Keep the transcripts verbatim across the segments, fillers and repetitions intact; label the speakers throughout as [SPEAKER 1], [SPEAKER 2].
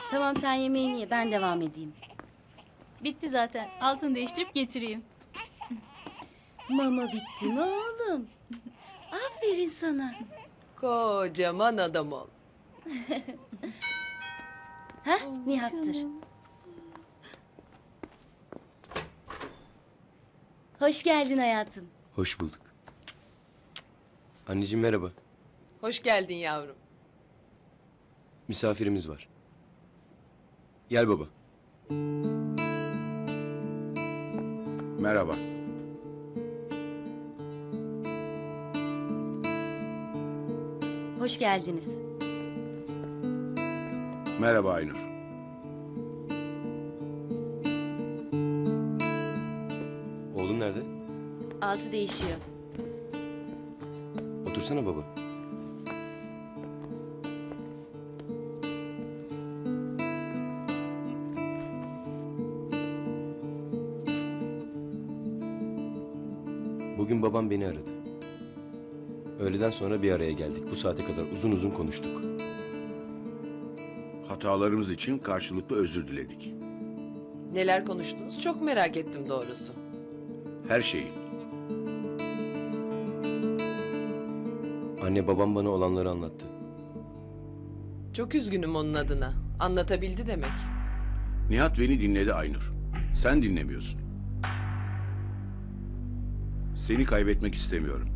[SPEAKER 1] Tamam sen yemeğini ye ben devam edeyim.
[SPEAKER 2] Bitti zaten. Altını değiştirip getireyim.
[SPEAKER 1] Mama bitti mi oğlum? Aferin sana.
[SPEAKER 3] Kocaman adam ol.
[SPEAKER 1] Heh Nihat'tır. Hoş geldin hayatım.
[SPEAKER 4] Hoş bulduk. Anneciğim merhaba.
[SPEAKER 3] Hoş geldin yavrum.
[SPEAKER 4] Misafirimiz var. Gel baba.
[SPEAKER 5] Merhaba.
[SPEAKER 1] Hoş geldiniz.
[SPEAKER 5] Merhaba Aynur.
[SPEAKER 4] Oğlum nerede?
[SPEAKER 1] Altı değişiyor.
[SPEAKER 4] Otursana baba. Bugün babam beni aradı. Öğleden sonra bir araya geldik. Bu saate kadar uzun uzun konuştuk.
[SPEAKER 5] Hatalarımız için karşılıklı özür diledik.
[SPEAKER 3] Neler konuştunuz çok merak ettim doğrusu.
[SPEAKER 5] Her şeyi.
[SPEAKER 4] Anne babam bana olanları anlattı.
[SPEAKER 3] Çok üzgünüm onun adına. Anlatabildi demek.
[SPEAKER 5] Nihat beni dinledi Aynur. Sen dinlemiyorsun. Seni kaybetmek istemiyorum.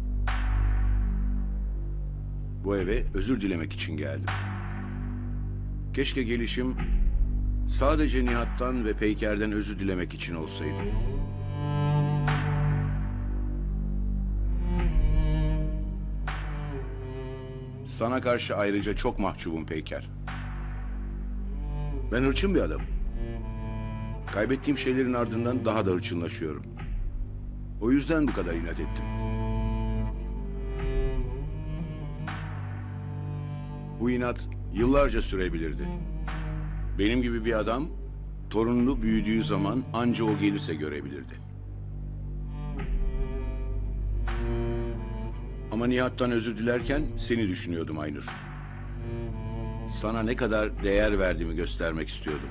[SPEAKER 5] Bu eve özür dilemek için geldim. Keşke gelişim sadece Nihat'tan ve Peyker'den özür dilemek için olsaydı. Sana karşı ayrıca çok mahcubum Peyker. Ben hırçın bir adamım. Kaybettiğim şeylerin ardından daha da hırçınlaşıyorum. O yüzden bu kadar inat ettim. Bu inat yıllarca sürebilirdi. Benim gibi bir adam torununu büyüdüğü zaman anca o gelirse görebilirdi. Ama Nihat'tan özür dilerken seni düşünüyordum Aynur. Sana ne kadar değer verdiğimi göstermek istiyordum.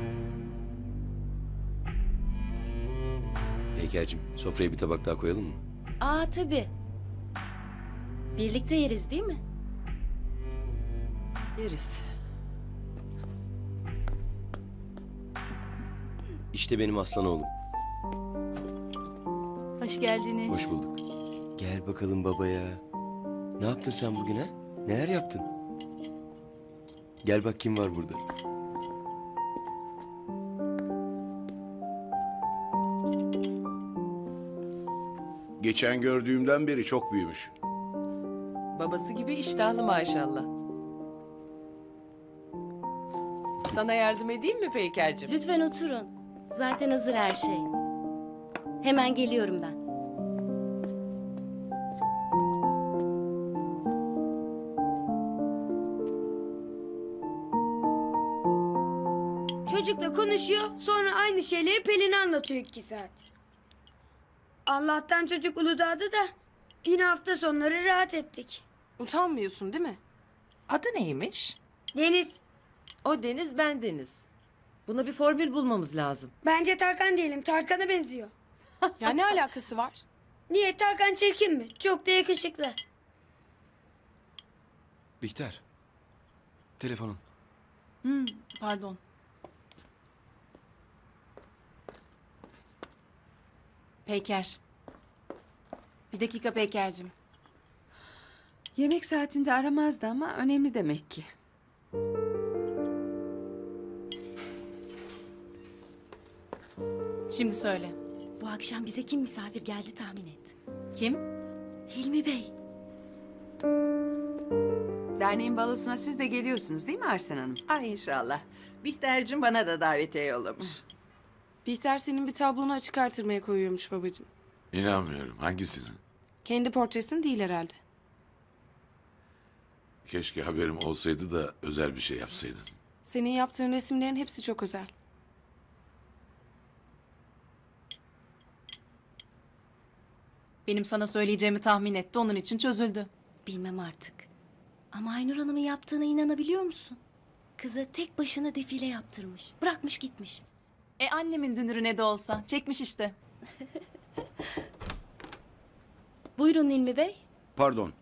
[SPEAKER 4] Peyker'cim sofraya bir tabak daha koyalım mı?
[SPEAKER 1] Aa tabii. Birlikte yeriz değil mi?
[SPEAKER 3] Yeriz.
[SPEAKER 4] İşte benim aslan oğlum.
[SPEAKER 2] Hoş geldiniz.
[SPEAKER 4] Hoş bulduk. Gel bakalım babaya. Ne yaptın sen bugün ha? Neler yaptın? Gel bak kim var burada.
[SPEAKER 5] Geçen gördüğümden beri çok büyümüş.
[SPEAKER 3] Babası gibi iştahlı maşallah. Sana yardım edeyim mi Peyker'cim?
[SPEAKER 1] Lütfen oturun. Zaten hazır her şey. Hemen geliyorum ben.
[SPEAKER 6] Çocukla konuşuyor, sonra aynı şeyleri Pelin'e anlatıyor iki saat. Allah'tan çocuk Uludağ'da da yine hafta sonları rahat ettik.
[SPEAKER 7] Utanmıyorsun değil mi?
[SPEAKER 8] Adı neymiş?
[SPEAKER 6] Deniz,
[SPEAKER 3] O Deniz ben Deniz. Buna bir formül bulmamız lazım.
[SPEAKER 6] bence Tarkan diyelim, Tarkan'a benziyor.
[SPEAKER 7] Ya ne alakası var?
[SPEAKER 6] Niye, Tarkan çirkin mi? Çok da yakışıklı.
[SPEAKER 9] Bihter. Telefonun.
[SPEAKER 7] Hmm, pardon. Peyker. Bir dakika Peyker'cim.
[SPEAKER 8] Yemek saatinde aramazdı ama önemli demek ki.
[SPEAKER 7] Şimdi söyle.
[SPEAKER 1] Bu akşam bize kim misafir geldi tahmin et.
[SPEAKER 7] Kim?
[SPEAKER 1] Hilmi Bey.
[SPEAKER 8] Derneğin balosuna siz de geliyorsunuz değil mi Arsen Hanım?
[SPEAKER 10] Ay inşallah. Bihter'cim bana da davetiye yollamış.
[SPEAKER 7] Bihter senin bir tablonu açık artırmaya koyuyormuş babacığım.
[SPEAKER 11] İnanmıyorum. Hangisini?
[SPEAKER 7] Kendi portresini değil herhalde.
[SPEAKER 11] Keşke haberim olsaydı da özel bir şey yapsaydım.
[SPEAKER 7] Senin yaptığın resimlerin hepsi çok özel. Benim sana söyleyeceğimi tahmin etti, onun için çözüldü.
[SPEAKER 1] Bilmem artık. Ama Aynur Hanım'ın yaptığına inanabiliyor musun? Kıza tek başına defile yaptırmış. Bırakmış gitmiş.
[SPEAKER 7] E annemin dünürü ne de olsa. Çekmiş işte.
[SPEAKER 1] Buyurun Hilmi Bey.
[SPEAKER 5] Pardon.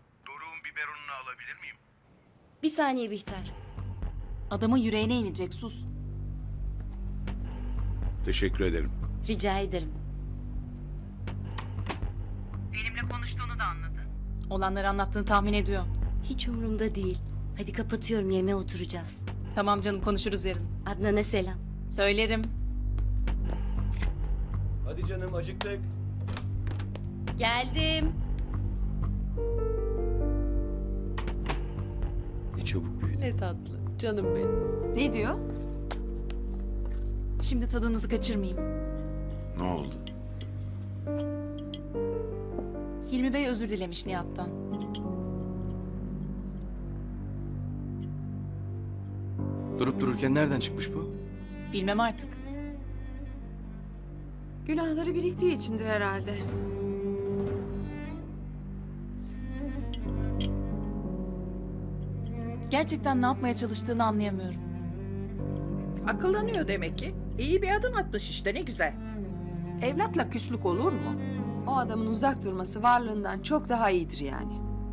[SPEAKER 1] Bir saniye Bihter.
[SPEAKER 7] Adamın yüreğine inecek, sus.
[SPEAKER 5] Teşekkür ederim.
[SPEAKER 1] Rica ederim.
[SPEAKER 7] Olanları anlattığını tahmin ediyor.
[SPEAKER 1] Hiç umurumda değil. Hadi kapatıyorum, yemeğe oturacağız.
[SPEAKER 7] Tamam canım, konuşuruz yarın.
[SPEAKER 1] Adnan'a selam.
[SPEAKER 7] Söylerim.
[SPEAKER 4] Hadi canım acıktık.
[SPEAKER 1] Geldim.
[SPEAKER 4] Ne çabuk büyüdü.
[SPEAKER 3] Ne tatlı. Canım benim.
[SPEAKER 8] Ne diyor?
[SPEAKER 7] Şimdi tadınızı kaçırmayayım.
[SPEAKER 11] Ne oldu?
[SPEAKER 7] Hilmi Bey özür dilemiş Nihat'tan.
[SPEAKER 9] Durup dururken nereden çıkmış bu?
[SPEAKER 7] Bilmem artık.
[SPEAKER 8] Günahları biriktiği içindir herhalde.
[SPEAKER 7] Gerçekten ne yapmaya çalıştığını anlayamıyorum.
[SPEAKER 10] Akıllanıyor demek ki. İyi bir adım atmış işte, ne güzel. Evlatla küslük olur mu?
[SPEAKER 8] O adamın uzak durması varlığından çok daha iyidir yani.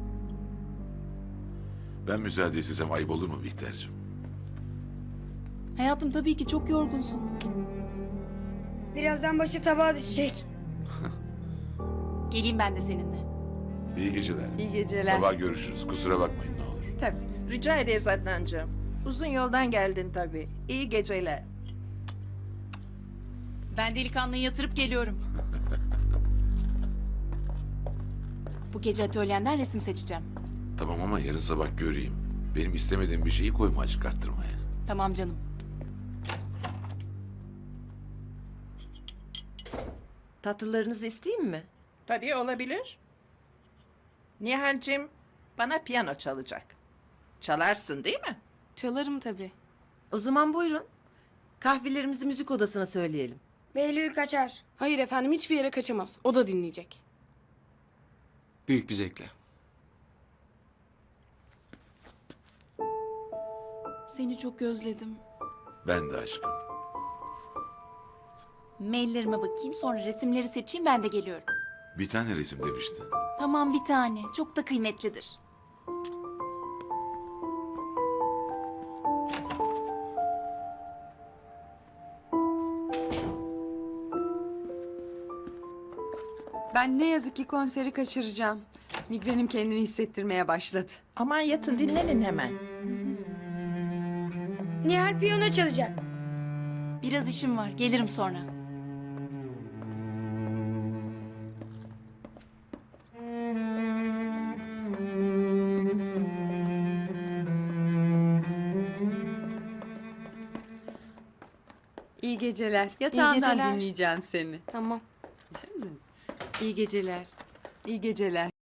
[SPEAKER 11] Ben müsaade istesem ayıp olur mu Bihter'cim?
[SPEAKER 7] Hayatım, tabii ki çok yorgunsun.
[SPEAKER 6] Birazdan başı tabağa düşecek.
[SPEAKER 7] Geleyim ben de seninle.
[SPEAKER 11] İyi geceler.
[SPEAKER 8] İyi geceler.
[SPEAKER 11] Sabah görüşürüz. Kusura bakmayın ne olur.
[SPEAKER 8] Tabii.
[SPEAKER 10] Rica ederiz Adnancığım. Uzun yoldan geldin tabii. İyi geceler.
[SPEAKER 7] Ben delikanlıyı yatırıp geliyorum. Bu gece atölyenden resim seçeceğim.
[SPEAKER 11] Tamam ama yarın sabah göreyim. Benim istemediğim bir şeyi koyma çıkarttırmaya.
[SPEAKER 7] Tamam canım.
[SPEAKER 3] Tatlılarınızı isteyeyim mi?
[SPEAKER 10] Tabii olabilir. Nihal'cim bana piyano çalacak. Çalarsın değil mi?
[SPEAKER 7] Çalarım tabii.
[SPEAKER 3] O zaman buyurun. Kahvelerimizi müzik odasına söyleyelim.
[SPEAKER 6] Behlül kaçar.
[SPEAKER 12] Hayır efendim, hiçbir yere kaçamaz. O da dinleyecek.
[SPEAKER 9] Büyük bir zevkle.
[SPEAKER 7] Seni çok özledim.
[SPEAKER 11] Ben de aşkım.
[SPEAKER 7] Maillerime bakayım, sonra resimleri seçeyim, ben de geliyorum.
[SPEAKER 11] Bir tane resim demiştin.
[SPEAKER 7] Tamam, bir tane. Çok da kıymetlidir.
[SPEAKER 8] Ben ne yazık ki konseri kaçıracağım. Migrenim kendini hissettirmeye başladı.
[SPEAKER 10] Aman yatın dinlenin hemen.
[SPEAKER 6] Nihal piyano çalacak.
[SPEAKER 7] Biraz işim var, gelirim sonra.
[SPEAKER 8] İyi geceler. Yatağından
[SPEAKER 12] geceler.
[SPEAKER 8] dinleyeceğim seni.
[SPEAKER 12] Tamam.
[SPEAKER 3] İyi geceler.
[SPEAKER 8] İyi geceler.